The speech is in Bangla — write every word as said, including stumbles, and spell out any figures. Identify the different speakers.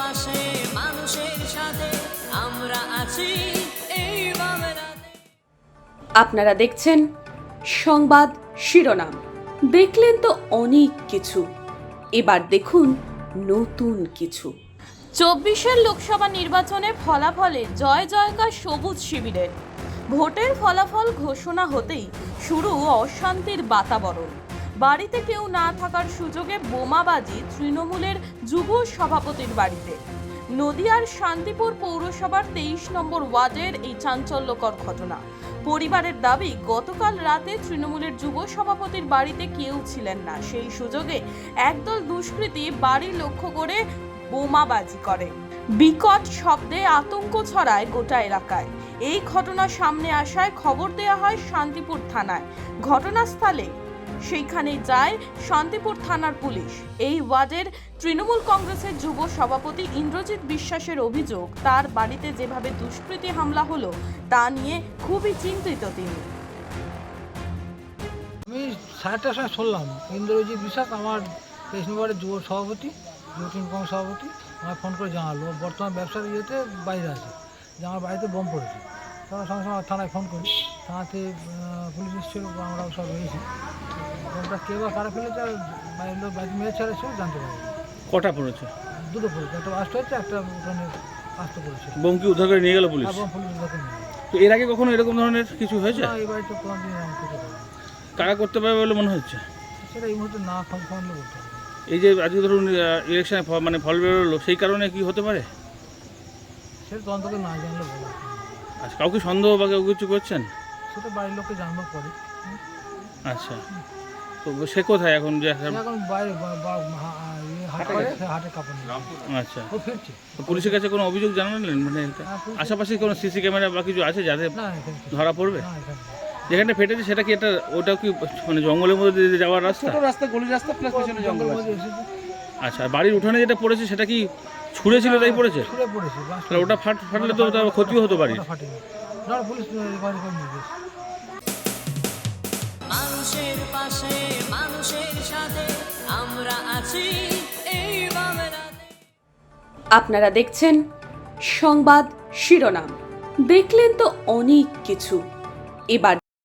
Speaker 1: পাশে মানুষের সাথে আমরা আছি এই বাংলাতে।
Speaker 2: আপনারা দেখছেন সংবাদ শিরোনাম। দেখলেন তো অনেক কিছু, এবার দেখুন নতুন কিছু।
Speaker 3: চব্বিশের লোকসভা নির্বাচনে ফলাফলে জয় জয়কার সবুজ শিবিরের। ভোটের ফলাফল ঘোষণা হতেই শুরু অশান্তির বাতাবরণ। বাড়িতে কেউ না থাকার সুযোগে বোমাবাজি তৃণমূলের যুব সভাপতির বাড়িতে। নদিয়ার শান্তিপুর পৌরসভার তেইশ নম্বর ওয়ার্ডের এই চাঞ্চল্যকর ঘটনা। পরিবারের দাবি, গতকাল রাতে তৃণমূলের যুব সভাপতির বাড়িতে কেউ ছিলেন না, সেই সুযোগে একদল দুষ্কৃতী বাড়ি লক্ষ্য করে বোমাবাজি করে। বিকট শব্দে আতঙ্ক ছড়ায় গোটা এলাকায়। এই ঘটনা সামনে আসায় খবর দেওয়া হয় শান্তিপুর থানায়। ঘটনাস্থলে সেইখানে যায় শান্তিপুর থানার পুলিশ। এই ওয়ার্ডের তৃণমূল কংগ্রেসের যুব সভাপতি ইন্দ্রজিৎ বিশ্বাসের অভিযোগ, তার বাড়িতে যেভাবে দুষ্কৃতী হামলা হলো তা নিয়ে খুবই চিন্তিত তিনি।
Speaker 4: আমি সাড়েটার সময় শুনলাম ইন্দ্রজিৎ বিশ্বাস আমার তেইশ নম্বরের যুব সভাপতি যুব কংগ্রেস সভাপতি আমার ফোন করে জানালো বর্তমান ব্যবসার ইয়েতে বাইরে আছে, যে আমার বাড়িতে বোম পড়েছে। তখন সঙ্গে সঙ্গে থানায় ফোন করি, থানাতে পুলিশ এসেছিল, আমরাও সব রয়েছি। বোমটা কে বা কারা ফেলেছে আর বাড়ির লোক বাড়িতে মেয়ে ছেড়ে সেও জানতে পারি।
Speaker 5: কটা পড়েছে?
Speaker 4: দুটো পড়েছে, একটা আস্ত হচ্ছে, একটা উঠানে আস্ত পড়েছে।
Speaker 5: বোম কি উদ্ধার করে নিয়ে গেল পুলিশ?
Speaker 4: আর বোম পুলিশ উদ্ধার নিয়ে গেল।
Speaker 5: তো এর আগে কখনো এরকম ধরনের কিছু হয়েছে?
Speaker 4: না, এই বাড়িতে কোনোদিন এরকম কিছু হয়নি।
Speaker 5: কারা করতে পারবে বলে মনে হচ্ছে?
Speaker 4: সেটা এই মুহূর্তে না ফোন ফোনলে বলতে হবে।
Speaker 5: এই যে আজকে ধরুন ইলেকশনে মানে ফল বেরোলো, সেই কারণে কি হতে পারে?
Speaker 4: সেটা তদন্তকে না জানলে বলা।
Speaker 5: আচ্ছা, কাউকে সন্দেহ বা কেউ কিছু করছেন?
Speaker 4: সেটা বাড়ির লোককে জানবার পরে।
Speaker 5: আচ্ছা, তো সে কোথায় এখন? যে
Speaker 4: এখন বাইরে বা- বা- হা- ইয়ে হাট করে, সে হাটে কাপড় নিয়ে
Speaker 5: আচ্ছা,
Speaker 4: ও ফিরছে।
Speaker 5: তো পুলিশের কাছে কোনো অভিযোগ জানালেন? মানে
Speaker 4: হ্যাঁ, পুলিশ-
Speaker 5: আশেপাশে কোনো সিসি ক্যামেরা বা কিছু আছে যাতে
Speaker 4: না এখানে কিছু-
Speaker 5: ধরা পড়বে?
Speaker 4: না এখানে কিছু।
Speaker 5: যেখানটা ফেটেছে সেটা কি একটা, ওটাও কি মানে জঙ্গলের মধ্যে দিয়ে যাওয়ার রাস্তা?
Speaker 6: রাস্তা গলি রাস্তা প্লাস পিছনে জঙ্গল
Speaker 4: জঙ্গলের
Speaker 6: আছে।
Speaker 4: মধ্যে এসেছে,
Speaker 5: আচ্ছা, আর বাড়ির উঠানে যেটা পড়েছে সেটা কি ছুঁড়েছিল তাই পড়েছে?
Speaker 4: ছুঁড়ে পড়েছে, বাস
Speaker 5: তাহলে ওটা ফাট ফাটলে তো তার ক্ষতিও হতো বাড়ির।
Speaker 4: ওটা ফাটেনি। না, পুলিশ রিকভারি করে নিয়ে গেছে।
Speaker 1: মানুষের পাশে মানুষের সাথে আমরা আছি এই বাংলাতে।
Speaker 2: আপনারা দেখছেন সংবাদ শিরোনাম। দেখলেন তো অনেক কিছু, এবার